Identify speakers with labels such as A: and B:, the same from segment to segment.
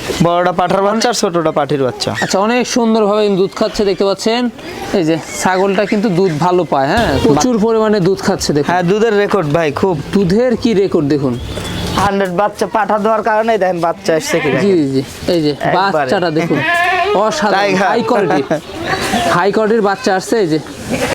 A: বড়টা পাঠার বাচ্চা আর ছোটটা পাঠির বাচ্চা।
B: আচ্ছা, অনেক সুন্দরভাবে দুধ খাচ্ছে দেখতে পাচ্ছেন। এই যে ছাগলটা কিন্তু দুধ ভালো পায়, হ্যাঁ, প্রচুর পরিমাণে দুধ খাচ্ছে দেখুন।
A: হ্যাঁ, দুধের রেকর্ড ভাই, খুব
B: দুধের কি রেকর্ড দেখুন।
A: 100 বাচ্চা পাঠা দেওয়ার কারণে দেখেন বাচ্চা আসছে কি।
B: জি জি, এই যে বাচ্চাটা দেখুন, অসাধারণ হাই কোয়ালিটি, হাই কোয়ালিটির বাচ্চা আসছে। এই যে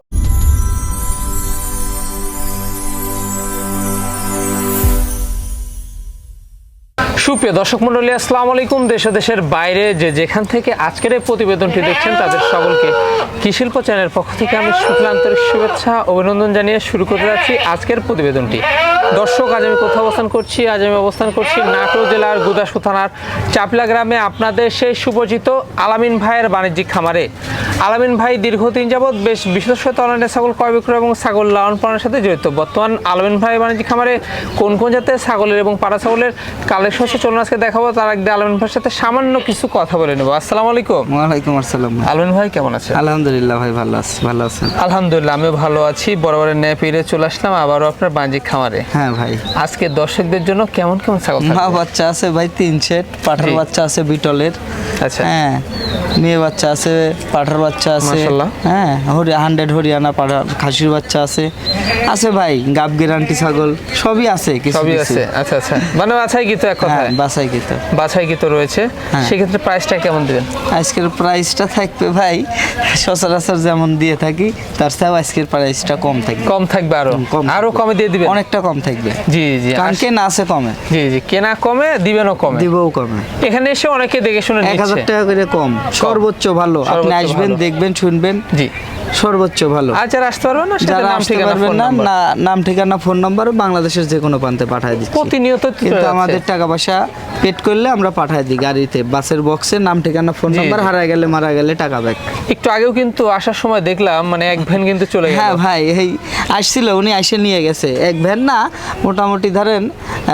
B: সুপ্রিয় দর্শক মণ্ডলী, আসসালামু আলাইকুম। দেশ ও দেশের বাইরে যে যেখান থেকে আজকের এই প্রতিবেদনটি দেখছেন তাদের সকলকে কৃষিল্প চ্যানেলের পক্ষ থেকে আমি শুভেচ্ছা, আন্তরিক শুভেচ্ছা, অভিনন্দন জানিয়ে শুরু করতে যাচ্ছি আজকের প্রতিবেদনটি। দর্শক, আজ আমি কোথাও অবস্থান করছি? আজ আমি অবস্থান করছি নাটোর জেলার গুদাসপুর থানার চাপলা গ্রামে, আপনাদের সেই সুপরিচিত আলামিন ভাইয়ের বাণিজ্যিক খামারে। আলামিন ভাই দীর্ঘদিন যাবৎ বেশ বিশেষত অনলাইনে ছাগল ক্রয় বিক্রয় এবং ছাগল লালন পালনের সাথে জড়িত। বর্তমান আলামিন ভাই বাণিজ্যিক খামারে কোন কোন জাতের ছাগলের এবং পাড়া ছাগলের কালেকশন চলুন আজকে দেখাবো। তার আগে আলামিন ভাইয়ের সাথে সামান্য কিছু কথা বলে নেবো। আসসালামু আলাইকুম।
A: ওয়ালাইকুম আসসালাম।
B: আলামিন ভাই কেমন আছেন?
A: আলহামদুলিল্লাহ ভাই, ভালো আছি। ভালো আছেন?
B: আলহামদুলিল্লাহ, আমিও ভালো আছি। বরাবরের ন্যায় পেরে চলে আসলাম আবারও আপনার বাণিজ্যিক খামারে।
A: হ্যাঁ ভাই,
B: আজকে দর্শকদের জন্য কেমন কেমন ছাগল থাকবে?
A: মা বাচ্চা আছে ভাই 3 সেট, পাঠার বাচ্চা আছে বিটলের।
B: আচ্ছা,
A: হ্যাঁ, মেয়ে বাচ্চা আছে, পাঠার বাচ্চা আছে।
B: মাশাআল্লাহ।
A: হ্যাঁ, 100 হরিয়ানা পাঠার খাসির বাচ্চা আছে ভাই, গাব গ্যারান্টি ছাগল সবই আছে, কিছু
B: সবই
A: কিছু।
B: আছে। আচ্ছা আচ্ছা, মানে বাছাই কি তো এক
A: হ্যাঁ,
B: কথায়?
A: বাছাই কি তো।
B: বাছাই কি তো রয়েছে।
A: হ্যাঁ।
B: সেক্ষেত্রে প্রাইসটা কেমন দিবেন?
A: আজকের প্রাইসটা থাকবে ভাই সচরাচর যেমন দিয়ে থাকি তার চেয়েও আজকের প্রাইসটা কম থাকবে।
B: কম থাকবে, আরো
A: কম
B: আরো
A: থাকবে।
B: কমে দিয়ে দিবেন?
A: অনেকটা কম থাকবে।
B: জি জি,
A: কারণ কেনা আছে কমে,
B: জি জি, কেনা কমে দিবেনও কমে,
A: দিবও কমে।
B: এখানে এসে অনেকে দেখে শুনে
A: 1000
B: নিচ্ছে।
A: টাকা করে কম, সর্বোচ্চ ভালো। আপনি
B: সর্বোচ্চ
A: আসবেন,
B: ভালো।
A: দেখবেন, শুনবেন,
B: জি,
A: সর্বোচ্চ ভালো।
B: আর যারা আসতে পারবেন না, সেটা
A: যারা
B: নাম
A: আসতে
B: ঠিকানা
A: পারবেন
B: ফোন
A: না,
B: নাম্বার
A: নাম ঠিকানা ফোন নাম্বার বাংলাদেশের যে কোনো প্রান্তে পাঠিয়ে দিচ্ছি।
B: প্রতিনিয়ত
A: কিন্তু আমাদের টাকা পয়সা পেড করলে আমরা পাঠিয়ে দিই গাড়িতে, বাসের বক্সে নাম ঠিকানা ফোন
B: জি,
A: নাম্বার,
B: জি।
A: হারায় গেলে মারা গেলে টাকা ব্যাক।
B: একটু আগেও কিন্তু আসার সময় দেখলাম মানে এক ভ্যান কিন্তু চলে গেল।
A: হ্যাঁ ভাই, এই আসছিল, উনি এসে নিয়ে গেছে এক ভ্যান না, মোটামুটি ধরেন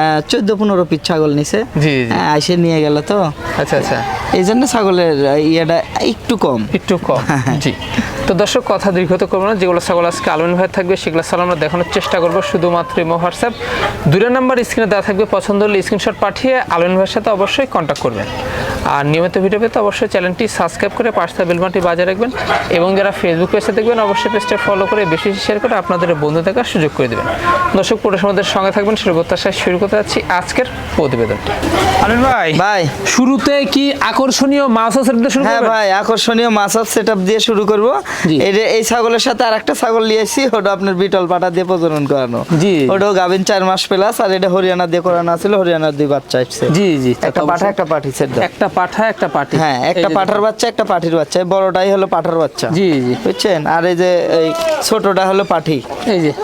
A: 14-15 পিস ছাগল নিছে।
B: জি, জি।
A: এসে নিয়ে গেল তো,
B: আচ্ছা আচ্ছা,
A: এই জন্য ছাগলের ইয়েটা একটু কম।
B: একটু কম। জি, তো দর্শক কথা দীর্ঘত করবো না, যেগুলো ছাগল আজকে আলামিন ভাই থাকবে সেগুলো ছাগল আমরা দেখানোর চেষ্টা করবো শুধুমাত্র ইমো হোয়াটসঅ্যাপ 2 নাম্বার স্ক্রিনে দেওয়া থাকবে। পছন্দ হলে স্ক্রিনশট পাঠিয়ে আলামিন ভাইয়ের সাথে অবশ্যই কন্ট্যাক্ট করবেন। আর নিয়মিত ভিডিও পেতে অবশ্যই চ্যানেলটি সাবস্ক্রাইব করে পাশে বেল বাটনটি বাজিয়ে রাখবেন এবং যারা ফেসবুক পেজে দেখবেন অবশ্যই পেজটা ফলো করে বেশি শেয়ার করে আপনাদের বন্ধু থাকার সুযোগ করে দেবেন। দর্শক পুরো আমাদের সঙ্গে থাকবেন, সেই প্রত্যাশায় শুরু করতে যাচ্ছি আজকের প্রতিবেদনটি। আলামিন ভাই,
A: ভাই
B: শুরুতে কি আকর্ষণীয় মাছ আছে শুরু
A: হ্যাঁ
B: করবেন?
A: ভাই, আকর্ষণীয় মাছ সেটআপ দিয়ে শুরু করব।
B: জি।
A: এই ছাগলের সাথে আরেকটা ছাগল নিয়েছি, ওটা আপনার বিটল পাটা দিয়ে প্রজনন করানো।
B: জি।
A: ওটাও গাভিন 4 মাস প্লাস, আর এটা হরিয়ানা দিয়ে করানো ছিল, হরিয়ানার 2 বাচ্চা আসছে।
B: জি জি,
A: একটা পাঠা একটা পাঠি সেট দাও।
B: একটা পাঠা একটা পাটি।
A: হ্যাঁ, একটা
B: এই যে
A: পাঠার বাচ্চা একটা পাঠির বাচ্চা, এই বড়টাই হলো পাঠার বাচ্চা।
B: জি জি,
A: বুঝছেন? আর এই যে এই ছোটটা হলো পাঠি।
B: এই যে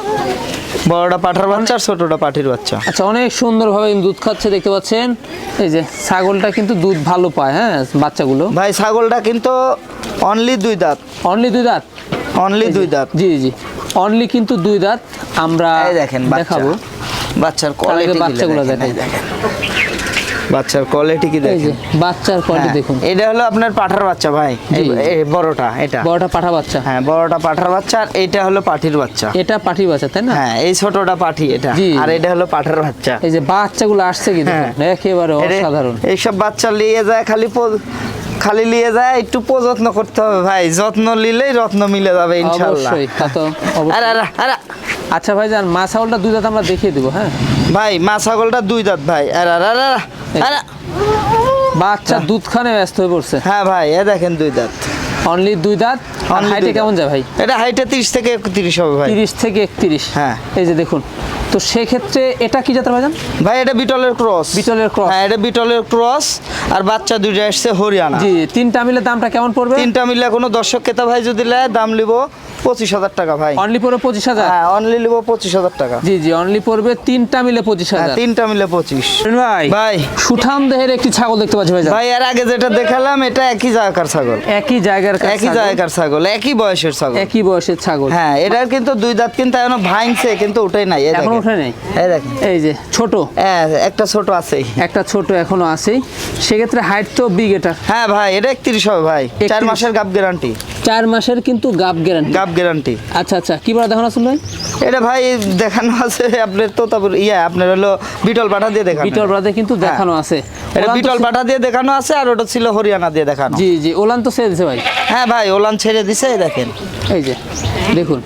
A: বড়টা পাঠার বাচ্চা আর ছোটটা পাঠির বাচ্চা।
B: আচ্ছা, অনেক সুন্দরভাবে দুধ খাচ্ছে দেখতে পাচ্ছেন। এই যে ছাগলটা কিন্তু দুধ ভালো পায়, হ্যাঁ, বাচ্চাগুলো।
A: ভাই ছাগলটা কিন্তু অনলি 2 দাঁত,
B: অনলি 2 দাঁত।
A: অনলি 2 দাঁত।
B: জি জি, অনলি কিন্তু 2 দাঁত। আমরা
A: এই দেখেন বাচ্চা,
B: দেখাবো
A: বাচ্চার
B: তার আগে
A: কোয়ালিটি
B: বাচ্চাগুলো দেখাই।
A: বাচ্চার কোয়ালিটি কি
B: এই যে
A: দেখেন।
B: বাচ্চার কোয়ালিটি
A: হ্যাঁ,
B: দেখুন।
A: এটা হলো আপনার পাঠার বাচ্চা ভাই,
B: জি।
A: এই বড়টা এটা।
B: বড়টা পাঠা বাচ্চা।
A: হ্যাঁ, বড়টা পাঠার বাচ্চা আর এইটা হলো পাঠির বাচ্চা।
B: এটা পাঠি বাচ্চা, তাই না?
A: হ্যাঁ, এই ছোটটা পাঠি এটা,
B: জি।
A: আর এটা হলো পাঠার বাচ্চা।
B: এই যে বাচ্চাগুলো আসছে কি দেখুন,
A: হ্যাঁ।
B: একেবারে অসাধারণ।
A: এইসব বাচ্চা নিয়ে যায় খালি নিয়ে যায়, একটু যত্ন করতে হবে ভাই, যত্ন নিলেই রত্ন মিলে যাবে ইনশাআল্লাহ।
B: অবশ্যই, তা তো অবশ্যই।
A: আরে আরে আরে
B: আচ্ছা ভাই যান, মা ছাগলটা 2 দাঁত আমরা দেখিয়ে দিব। হ্যাঁ
A: ভাই, মা ছাগলটা 2 দাঁত ভাই। আরে আরে আরে আরে
B: বাচ্চা দুধ খানে ব্যস্ত হয়ে পড়ছে।
A: হ্যাঁ ভাই, এ দেখেন 2 দাঁত,
B: অনলি 2 দাঁত।
A: Only
B: হাইটে
A: 2 দাঁত।
B: কেমন যায় ভাই?
A: এটা হাইটে 30 থেকে 31 হবে ভাই।
B: 30 থেকে 31।
A: হ্যাঁ।
B: এই যে দেখুন, তো সেক্ষেত্রে এটা কি জাতের ভাইজান?
A: ভাই এটা বিটলের ক্রস।
B: বিটলের ক্রস।
A: হ্যাঁ, এটা বিটলের ক্রস, আর বাচ্চা 2টা আসছে হরিয়ানা।
B: জি, 3টা মিলে দামটা কেমন পড়বে?
A: 3টা মিলে কোনো দর্শক ক্রেতা ভাই যদি নেয় দাম নিব 25,000 টাকা ভাই।
B: অনলি পড়বে 25,000।
A: হ্যাঁ, অনলি নিব 25,000 টাকা।
B: জি জি, অনলি পড়বে 3টা মিলে
A: হ্যাঁ,
B: 25,000।
A: 3টা মিলে 25।
B: ভাই
A: ভাই
B: সুঠাম দেহের একটি ছাগল দেখতে পাচ্ছি ভাইজান।
A: ভাই, এর আগে যেটা দেখালাম এটা একই জায়গার ছাগল,
B: একই জায়গার
A: একই জায়গার ছাগল, একই বয়সের ছাগল।
B: একই বয়সের ছাগল।
A: হ্যাঁ, এটার কিন্তু 2 দাঁত কিন্তু এখনো ভাঙছে, কিন্তু ওটাই নাই। এই
B: এখনো
A: দেখেন,
B: ওঠে নাই।
A: এই দেখেন,
B: এই যে ছোট
A: হ্যাঁ, একটা ছোট আছেই।
B: একটা ছোট এখনো আছেই। সেক্ষেত্রে হাইট তো বিগ এটা।
A: হ্যাঁ ভাই, এটা 31 হবে ভাই, 4
B: 31
A: মাসের গাব গ্যারান্টি।
B: 4 মাসের কিন্তু গাব গ্যারান্টি।
A: গাব গ্যারান্টি।
B: আচ্ছা আচ্ছা, কি বলা দেখানো আসলে ভাই?
A: এটা ভাই দেখানো আছে আপনার তোতাপুর আপনার হলো বিটল পাঠা দিয়ে দেখানো।
B: বিটল ব্রাদে কিন্তু দেখানো আছে।
A: এটা
B: ওলান তো
A: বিটল পাঠা দিয়ে দেখানো আছে, আর ওটা ছিল হরিয়ানা দিয়ে দেখানো।
B: জি জি, ওলান তো ছেড়ে দিছে ভাই।
A: হ্যাঁ ভাই, ওলান ছেড়ে দিছে, এই দেখেন,
B: এই যে দেখুন,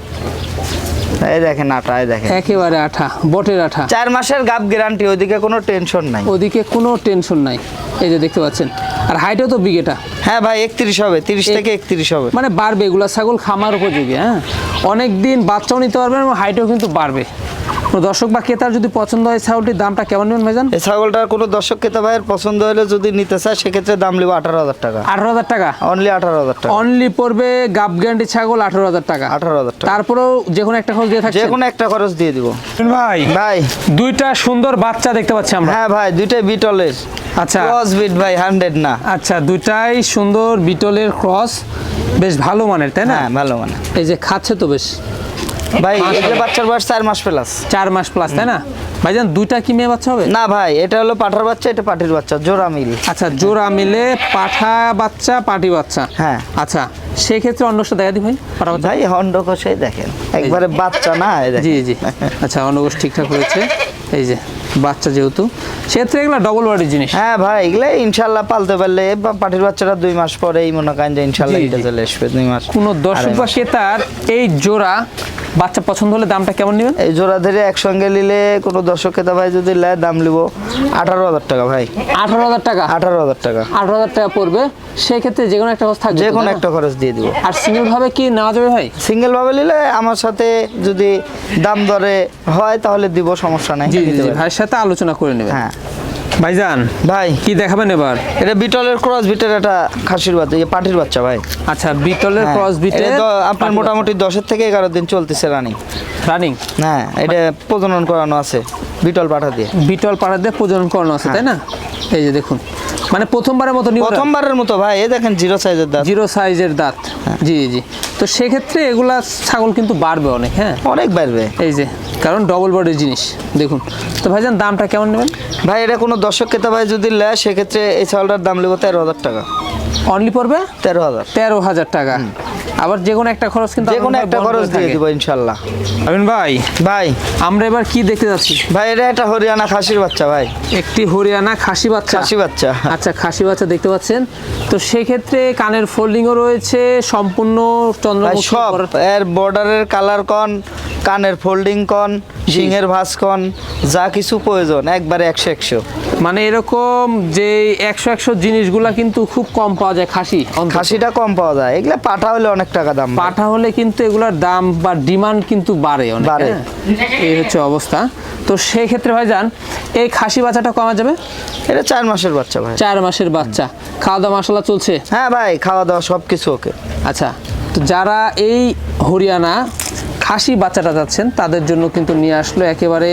A: এই দেখেন আঠা, এই দেখেন
B: একেবারে আঠা, বটের আঠা।
A: 4 মাসের গাব গ্যারান্টি, ওইদিকে কোনো টেনশন নাই।
B: ওদিকে কোনো টেনশন নাই, এই যে দেখতে পাচ্ছেন। আর হাইটও তো বিগ এটা।
A: হ্যাঁ ভাই 31 হবে, 30 থেকে 31 হবে।
B: মানে বাড়বে, এগুলা ছাগল খামার উপযোগী। হ্যাঁ, অনেক দিন বাচ্চাও নিতে পারবেন এবং হাইটও কিন্তু বাড়বে। কোনো দর্শক বা ক্রেতার যদি পছন্দ হয় ছাগলটির দামটা কেমন নেবেন ভাইজান?
A: এই ছাগলটার কোনো দর্শক ক্রেতা ভাইয়ের পছন্দ হলে যদি নিতে চায় সেক্ষেত্রে দাম নেব 18,000 টাকা।
B: 18,000 টাকা
A: অনলি 18,000 টাকা।
B: অনলি পড়বে গাব গ্যারান্টি ছাগল 18,000 টাকা।
A: 18,000 টাকা।
B: তারপরেও যে কোনো একটা খরচ দিয়ে থাকছে।
A: যে কোনো একটা খরচ দিয়ে দিব
B: ভাই
A: ভাই।
B: দুইটা সুন্দর বাচ্চা দেখতে পাচ্ছি আমরা।
A: হ্যাঁ ভাই, দুইটাই বিটলের।
B: আচ্ছা
A: ক্রস বিট ভাই, 100 না।
B: আচ্ছা, দুইটাই সুন্দর বিটলের ক্রস, বেশ ভালো মানের, তাই না?
A: হ্যাঁ ভালো মানে।
B: এই যে খাচ্ছে তো বেশ
A: ভাই এগুলো বাচ্চার বয়স 4 মাস প্লাস।
B: 4 মাস প্লাস, তাই না ভাইজান? দুইটা কি মেয়ে বাচ্চা হবে?
A: না ভাই, এটা হলো পাঠার বাচ্চা, এটা পাটির বাচ্চা, জোড়া মিল।
B: আচ্ছা, জোড়া মিলে পাঠা বাচ্চা পাটি বাচ্চা।
A: হ্যাঁ।
B: আচ্ছা, সেই ক্ষেত্রে অন্যটা দেখা দি ভাই, পাঠা বাচ্চা।
A: ভাই হন্ড কষাই দেখেন, একবারে বাচ্চা না, এই দেখেন।
B: জি জি, আচ্ছা, অন্নগোষ ঠিকঠাক হয়েছে। এই যে বাচ্চা, যেহেতু সেক্ষেত্রে এগুলো ডবল বডির জিনিস।
A: হ্যাঁ ভাই, এগুলো ইনশাল্লাহ পালতে পারলে বা পাটির বাচ্চাটা 2 মাস পরে এই মনে করেন যে ইনশাল্লাহ
B: জি,
A: এটা
B: জি।
A: চলে আসবে 2 মাস।
B: কোনো দর্শক বা ক্রেতার এই জোড়া বাচ্চা পছন্দ হলে দামটা কেমন নেবেন?
A: এই জোড়া ধরে একসঙ্গে নিলে কোনো দর্শক ক্রেতা ভাই যদি নেয় দাম নিব 18,000 টাকা ভাই।
B: 18,000 টাকা।
A: 18,000 টাকা।
B: 18,000 টাকা পড়বে। সেক্ষেত্রে যে কোনো একটা খরচ থাকবে,
A: যে কোনো
B: তাই না?
A: একটা খরচ দিয়ে দিব।
B: আর সিঙ্গেল ভাবে কি নেওয়া যাবে ভাই?
A: সিঙ্গেল ভাবে নিলে আমার সাথে যদি দাম দরে হয় তাহলে দিব, সমস্যা নাই।
B: জি জি
A: নিতে
B: জি,
A: পারেন।
B: ভাইয়ের সাথে আলোচনা করে নেবেন।
A: হ্যাঁ
B: ভাইজান
A: ভাই,
B: কি দেখাবেন এবার?
A: এটা বিটলের ক্রস বিটের একটা খাসির বাচ্চা, পাটির বাচ্চা ভাই।
B: আচ্ছা, বিটলের
A: হ্যাঁ,
B: ক্রস বিটে
A: এটা তো আপনার মোটামুটি 10 থেকে 11 দিন চলতেছে রানিং।
B: রানিং।
A: হ্যাঁ, এটা প্রজনন করানো আছে বিটল পাঠা দিয়ে।
B: বিটল পাড়া দিয়ে প্রজনন করানো আছে, তাই না? এই যে দেখুন, মানে প্রথমবারের মতো
A: প্রথমবারের মতো ভাই, এই দেখেন জিরো সাইজের দাঁত।
B: জিরো সাইজের দাঁত। জি জি, তো সেক্ষেত্রে এগুলা ছাগল কিন্তু বাড়বে অনেক। হ্যাঁ,
A: অনেক বাড়বে
B: এই যে, কারণ ডবল বডির জিনিস। দেখুন তো ভাইজান, দামটা কেমন নেবেন?
A: ভাই এটা কোনো দর্শক ক্রেতা ভাই যদি নেয় সেক্ষেত্রে এই চাউলটার দাম নেবো 13,000 টাকা।
B: অনলি পড়বে
A: 13,000।
B: 13,000 টাকা। আবার যে কোনো একটা খরচ কিন্তু
A: যে কোনো একটা খরচ দিয়ে দিব ইনশাল্লাহ।
B: আমিন ভাই,
A: ভাই
B: আমরা এবার কি দেখতে যাচ্ছি?
A: ভাই এটা একটা হরিয়ানা খাসির বাচ্চা ভাই।
B: একটি হরিয়ানা খাসি বাচ্চা।
A: খাসি বাচ্চা।
B: আচ্ছা, খাসি বাচ্চা দেখতে পাচ্ছেন। তো সেক্ষেত্রে কানের ফোল্ডিংও রয়েছে, সম্পূর্ণ
A: ভাই
B: চন্দ্রমুখী
A: সব
B: করা-
A: এর বর্ডারের কালার কন, কানের ফোল্ডিং কন, শিংয়ের ভাঁজ কন, যা কিছু প্রয়োজন একবারে 100-100।
B: মানে এরকম যে 100 জিনিসগুলা কিন্তু খুব কম পাওয়া যায় খাসি অন্তত।
A: খাসিটা কম পাওয়া যায়, এগুলা পাঠা হলে অনেক টাকা দাম ভাই।
B: পাঠা হলে কিন্তু এগুলার দাম বা ডিমান্ড কিন্তু বাড়ে অনেক।
A: বাড়ে।
B: হ্যাঁ? এই হচ্ছে অবস্থা। তো সেই ক্ষেত্রে ভাইজান, এই খাসি বাচ্চাটা কমা যাবে?
A: এটা 4 মাসের বাচ্চা ভাই।
B: 4 মাসের বাচ্চা, খাওয়া দাওয়া মশলা চলছে?
A: হ্যাঁ ভাই, খাওয়া দাওয়া সব কিছু ওকে।
B: আচ্ছা, তো যারা এই হরিয়ানা খাসি বাচ্চাটা যাচ্ছেন তাদের জন্য কিন্তু নিয়ে আসলো একেবারে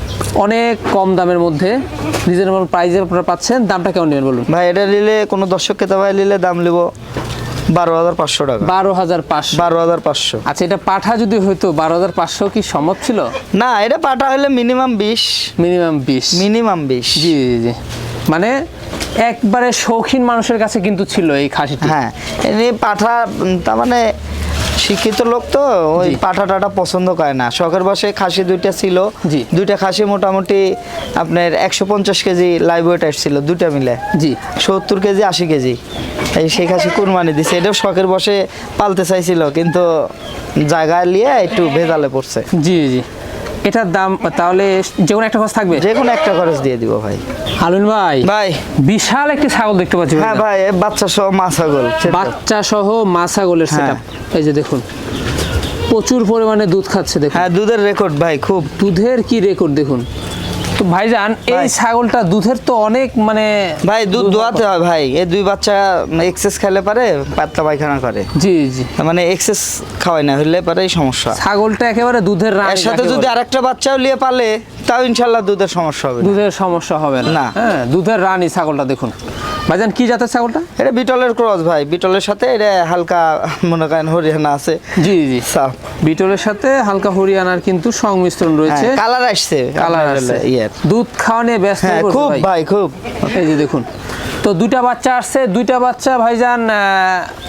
B: অনেক কম দামের মধ্যে, রিজনেবল প্রাইসে আপনারা পাচ্ছেন। দামটা কেমন নেবেন বলুন?
A: ভাই এটা নিলে কোনো দর্শক ক্রেতা ভাই নিলে দাম নেব 12,500 টাকা।
B: 12,500।
A: 12,500।
B: আচ্ছা, এটা পাঠা যদি হইতো 12,500 কি সম্ভব ছিল?
A: না, এটা পাঠা হলে মিনিমাম 20।
B: মিনিমাম 20।
A: মিনিমাম 20।
B: জি জি জি, মানে একবারে শৌখিন মানুষের কাছে কিন্তু ছিল এই খাসিটি।
A: হ্যাঁ, এমনি পাঠা তার মানে শিক্ষিত লোক তো ওই
B: জি।
A: পাঠা টাটা পছন্দ করে না। শখের বসে খাসি 2টা ছিল।
B: জি।
A: 2টা খাসি মোটামুটি আপনার 150 কেজি লাইভ ওয়েট আসছিল 2টা মিলে।
B: জি।
A: 70 কেজি 80 কেজি এই সেই খাসি কুরবানি দিছে। এটাও শখের বসে পালতে চাইছিল, কিন্তু জায়গায় নিয়ে একটু ভেজালে পড়ছে।
B: জি জি, এটার দাম তাহলে যে কোনো একটা খরচ থাকবে?
A: যে কোনো একটা খরচ দিয়ে দিব ভাই।
B: হালুন ভাই,
A: ভাই
B: বিশাল একটি ছাগল দেখতে পাচ্ছি।
A: হ্যাঁ ভাই, এ বাচ্চা সহ মা ছাগল।
B: বাচ্চা সহ মা ছাগলের
A: হ্যাঁ।
B: সেটআপ। এই যে দেখুন, প্রচুর পরিমাণে দুধ খাচ্ছে দেখুন।
A: হ্যাঁ, দুধের রেকর্ড ভাই খুব।
B: দুধের কি রেকর্ড দেখুন। তো ভাইজান, এই
A: ভাই।
B: ছাগলটা দুধের তো অনেক মানে
A: ভাই দুধ দোয়াতে হয় ভাই। এই 2 বাচ্চা এক্সেস খেলে পারে পাতলা পায়খানা করে।
B: জি জি,
A: মানে এক্সেস খাওয়াই না হলে পারে এই সমস্যা।
B: ছাগলটা একেবারে দুধের রানী।
A: এর সাথে
B: যাকে
A: যদি
B: বলে।
A: আরেকটা বাচ্চাও নিয়ে পালে তাও ইনশাল্লাহ দুধের সমস্যা হবে না।
B: দুধের সমস্যা হবে না।
A: না।
B: হ্যাঁ, দুধের রানী ছাগলটা দেখুন। ভাইজান, কি জাতের ছাগলটা?
A: এটা বিটলের ক্রস ভাই। বিটলের সাথে এটা হালকা মনে করেন হরিয়ানা আছে।
B: জি জি,
A: সাফ
B: বিটলের সাথে হালকা হরিয়ানার কিন্তু সংমিশ্রণ রয়েছে।
A: কালার আসছে।
B: কালার
A: আপনার
B: আছে।
A: ইয়ের।
B: দুধ খাওয়া নিয়ে ব্যস্ত
A: হ্যাঁ
B: হয়ে পড়ছে
A: খুব
B: ভাই।
A: ভাই খুব।
B: এই যে দেখুন, তো 2টা বাচ্চা আসছে। 2টা বাচ্চা ভাইজান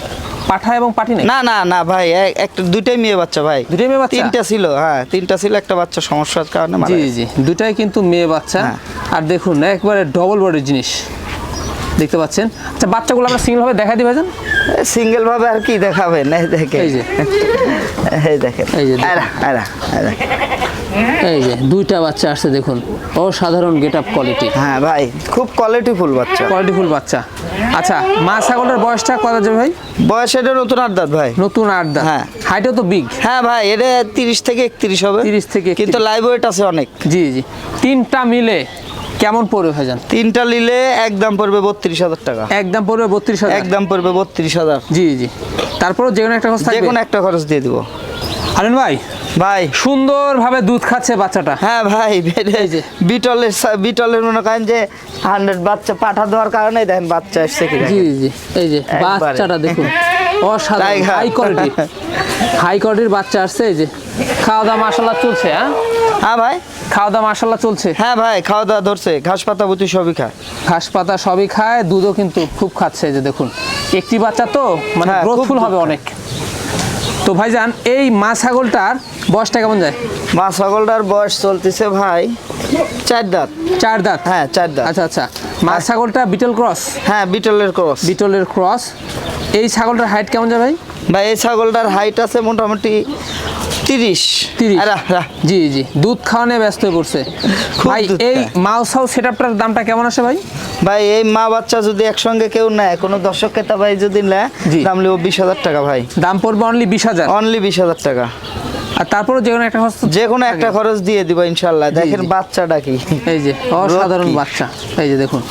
B: পাঠা এবং পাটি নেই?
A: না না না ভাই, একটা দুইটাই মেয়ে বাচ্চা ভাই।
B: দুটোই মেয়ে বাচ্চা?
A: তিনটা ছিল, হ্যাঁ তিনটা ছিল, একটা বাচ্চা সমস্যার কারণে মারা
B: জি
A: গেছে।
B: জি, দুটাই কিন্তু মেয়ে বাচ্চা।
A: হ্যাঁ।
B: আর দেখুন একবারে ডবল বডির জিনিস দেখতে পাচ্ছেন। আচ্ছা বাচ্চাগুলো আমরা সিঙ্গেল ভাবে দেখা দিই ভাইজান।
A: সিঙ্গেল ভাবে আর কি দেখাবেন, এই দেখেন,
B: এই যে
A: এই দেখেন,
B: এই যে দেখুন।
A: আরা আরা আরা।
B: এই যে দুইটা বাচ্চা আসছে দেখুন, অসাধারণ গেট আপ কোয়ালিটি,
A: হ্যাঁ ভাই খুব কোয়ালিটিফুল বাচ্চা।
B: কোয়ালিটিফুল বাচ্চা। আচ্ছা মা ছাগলের বয়সটা কত যাবে ভাই?
A: বয়স এটা নতুন 8 দাঁত ভাই।
B: নতুন 8 দাঁত।
A: হ্যাঁ।
B: হাইটও তো বিগ।
A: হ্যাঁ ভাই, এটা 30 থেকে 31 হবে।
B: 30 থেকে 31
A: কিন্তু লাইভ ওয়েট আছে অনেক।
B: জি জি, তিনটা মিলে কেমন পড়বে ভাইজান?
A: তিনটা নিলে একদম পড়বে 32,000 টাকা।
B: একদম পড়বে 32,000।
A: একদম পড়বে 32,000।
B: জি জি, তারপরও যে কোনো একটা খরচ
A: যে
B: থাকবে।
A: কোনো একটা খরচ দিয়ে দিব
B: হারুন ভাই।
A: ভাই
B: সুন্দরভাবে দুধ খাচ্ছে বাচ্চাটা।
A: হ্যাঁ ভাই,
B: এই যে।
A: বিটলের মনে করেন যে 100 বাচ্চা পাঠা দেওয়ার কারণে দেখেন বাচ্চা আসছে কি
B: জি
A: দেখেন।
B: জি, এই যে
A: একবারে।
B: বাচ্চাটা দেখুন, অসাধারণ
A: টাইগার।
B: হাই কোয়ালিটি, হাই কোয়ালিটির বাচ্চা আসছে। এই যে খাওয়া দাওয়া মাশাআল্লাহ চলছে। হ্যাঁ
A: হ্যাঁ ভাই,
B: খাওয়া দাওয়া মাশাআল্লাহ চলছে।
A: হ্যাঁ ভাই, খাওয়া দাওয়া ধরছে, ঘাস পাতা বুতি সবই খায়।
B: ঘাস পাতা সবই খায়, দুধও কিন্তু খুব খাচ্ছে। এই যে দেখুন একটি বাচ্চা তো মানে
A: হ্যাঁ, খুব
B: গ্রোথফুল
A: দুধ
B: হবে
A: খায়।
B: অনেক। তো ভাইজান এই মা ছাগলটার বয়সটা কেমন যায়?
A: মা ছাগলটার বয়স চলতেছে ভাই 4 দাঁত।
B: 4 দাঁত।
A: হ্যাঁ 4 দাঁত।
B: আচ্ছা আচ্ছা, মা ছাগলটা বিটল ক্রস।
A: হ্যাঁ বিটলের ক্রস।
B: বিটলের ক্রস। এই ছাগলটার হাইট কেমন যায় ভাই?
A: ভাই এই ছাগলটার হাইট আছে মোটামুটি 30।
B: 30।
A: আরা, আরা।
B: জি জি, দুধ খাওয়ানো ব্যস্ত হয়ে পড়ছে
A: খুব
B: ভাই।
A: দুধ
B: এই
A: খায়।
B: মাউস হাউস সেটআপটার দামটা কেমন আসে ভাই?
A: ভাই এই মা বাচ্চা যদি একসঙ্গে কেউ নেয়, কোনো দর্শক ক্রেতা ভাই যদি নেয়,
B: জি।
A: দাম লিব 20,000 টাকা ভাই।
B: দাম পড়বে অনলি 20,000।
A: অনলি 20,000 টাকা।
B: আর তারপরে যে কোনো একটা খরচ তো-
A: যে কোনো একটা খরচ দিয়ে দিব ইনশাল্লাহ। দেখেন
B: জি।
A: বাচ্চাটা কি,
B: এই যে অসাধারণ
A: কি?
B: বাচ্চা। এই যে দেখুন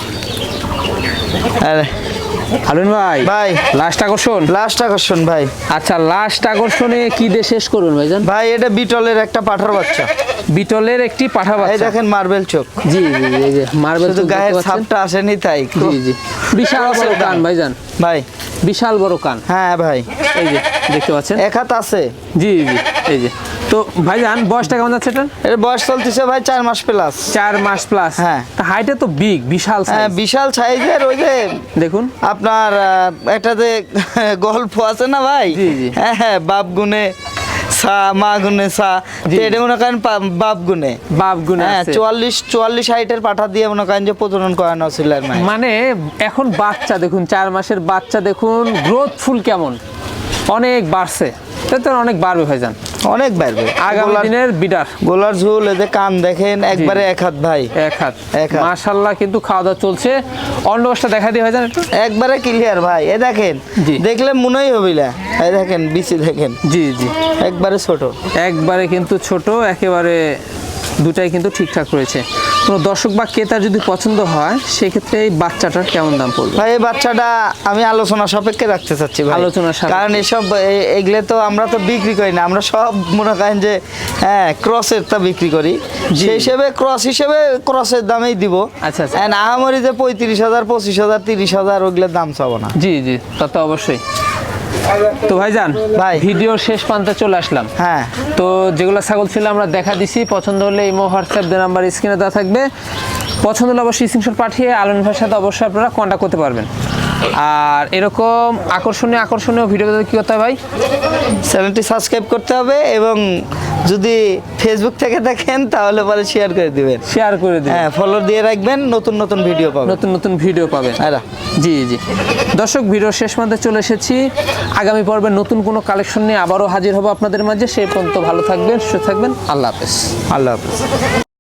A: আরে
B: হারুন ভাই,
A: ভাই
B: লাস্ট আকর্ষণ।
A: লাস্ট আকর্ষণ ভাই।
B: আচ্ছা লাস্ট আকর্ষণে কি দিয়ে শেষ করবেন ভাইজান?
A: ভাই এটা বিটলের একটা পাঠার বাচ্চা।
B: বিটলের একটি পাঠা
A: এই
B: বাচ্চা।
A: দেখেন মার্বেল চোখ,
B: জি জি, এই যে মার্বেল
A: শুধু গায়ের ছাপটা আসেনি তাই।
B: জি জি, বিশাল বড় কান ভাইজান,
A: ভাই
B: বিশাল বড় কান।
A: হ্যাঁ ভাই,
B: এই যে দেখতে পাচ্ছেন।
A: এক হাত আছে।
B: জি জি, এই যে। তো ভাইজান বয়সটা কেমন যাচ্ছে এটা?
A: এর বয়স চলতেছে ভাই 4 মাস প্লাস।
B: 4 মাস প্লাস।
A: হ্যাঁ।
B: হাইটে তো বিগ, বিশাল
A: হ্যাঁ
B: size।
A: বিশাল সাইজের। ওই যে
B: দেখুন
A: আপনার একটা যে গল্প আছে না ভাই,
B: জি, জি।
A: হ্যাঁ হ্যাঁ, বাপ গুনে সা মা গুনে সা,
B: জি।
A: তো এটা মনে করেন বাপ গুনে।
B: বাপ গুণে
A: হ্যাঁ
B: আছে।
A: 44 হাইটের পাঠা দিয়ে মনে করেন যে প্রজনন করানো ছিল আর মায়ের।
B: মানে এখন বাচ্চা দেখুন, 4 মাসের বাচ্চা দেখুন গ্রোথফুল কেমন, অনেক বাড়ছে। তো অনেক বাড়বে ভাইজান
A: অনেক বাড়বে
B: আগামী দিনের বিডার।
A: গোলার ঝুল, এদের কান দেখেন একবারে এক হাত ভাই,
B: এক হাত।
A: এক হাত।
B: মাশাআল্লাহ কিন্তু খাওয়া দাওয়া চলছে। অন্ডকোষটা দেখা দিয়ে ভাইজান একটু।
A: একবারে ক্লিয়ার ভাই। এ দেখেন,
B: জি।
A: দেখলে মনেই হবি না। এই দেখেন বিচি দেখেন,
B: জি জি,
A: একবারে ছোট।
B: একবারে কিন্তু ছোট, একেবারে দুটাই কিন্তু ঠিকঠাক রয়েছে। কোনো দর্শক বা ক্রেতার যদি পছন্দ হয় সেক্ষেত্রে এই বাচ্চাটার কেমন দাম পড়বে?
A: ভাই এই বাচ্চাটা আমি আলোচনা সাপেক্ষে রাখতে চাচ্ছি ভাই।
B: আলোচনা সাপেক্ষে।
A: কারণ এসব এগুলো তো আমরা তো বিক্রি করি না, আমরা সব মনে করেন যে হ্যাঁ ক্রসের তা বিক্রি করি।
B: জি।
A: সেই হিসেবে ক্রস হিসেবে ক্রসের দামেই দিব।
B: আচ্ছা, আচ্ছা।
A: And আহামরি যে 35,000 25,000 30,000 ওগুলোর দাম চাবো না।
B: জি জি, তা তো অবশ্যই। তো ভাইজান
A: ভাই।
B: ভিডিওর শেষ প্রান্তে চলে আসলাম।
A: হ্যাঁ
B: তো যেগুলো ছাগল ছিল আমরা দেখা দিছি, পছন্দ হলে ইমো হোয়াটসঅ্যাপ যে নাম্বার স্ক্রিনে দেওয়া থাকবে, পছন্দ হলে অবশ্যই স্ক্রিনশট পাঠিয়ে আলম ভাইয়ের সাথে অবশ্যই আপনারা কন্ট্যাক্ট করতে পারবেন। আর এরকম আকর্ষণীয় ভিডিও পেতে কি করতে হবে ভাই?
A: চ্যানেলটি সাবস্ক্রাইব করতে হবে, এবং যদি ফেসবুক থেকে দেখেন তাহলে পরে শেয়ার করে দিবেন।
B: শেয়ার করে দিন,
A: হ্যাঁ ফলো দিয়ে রাখবেন, নতুন নতুন ভিডিও পাবেন।
B: নতুন নতুন ভিডিও পাবেন।
A: আরা।
B: জি জি, দর্শক ভিডিওর শেষ প্রান্তে চলে এসেছি। আগামী পর্বে নতুন কোনো কালেকশন নিয়ে আবারও হাজির হব আপনাদের মাঝে। সেই পর্যন্ত ভালো থাকবেন, সুস্থ থাকবেন। আল্লাহ হাফেজ।
A: আল্লাহ হাফেজ।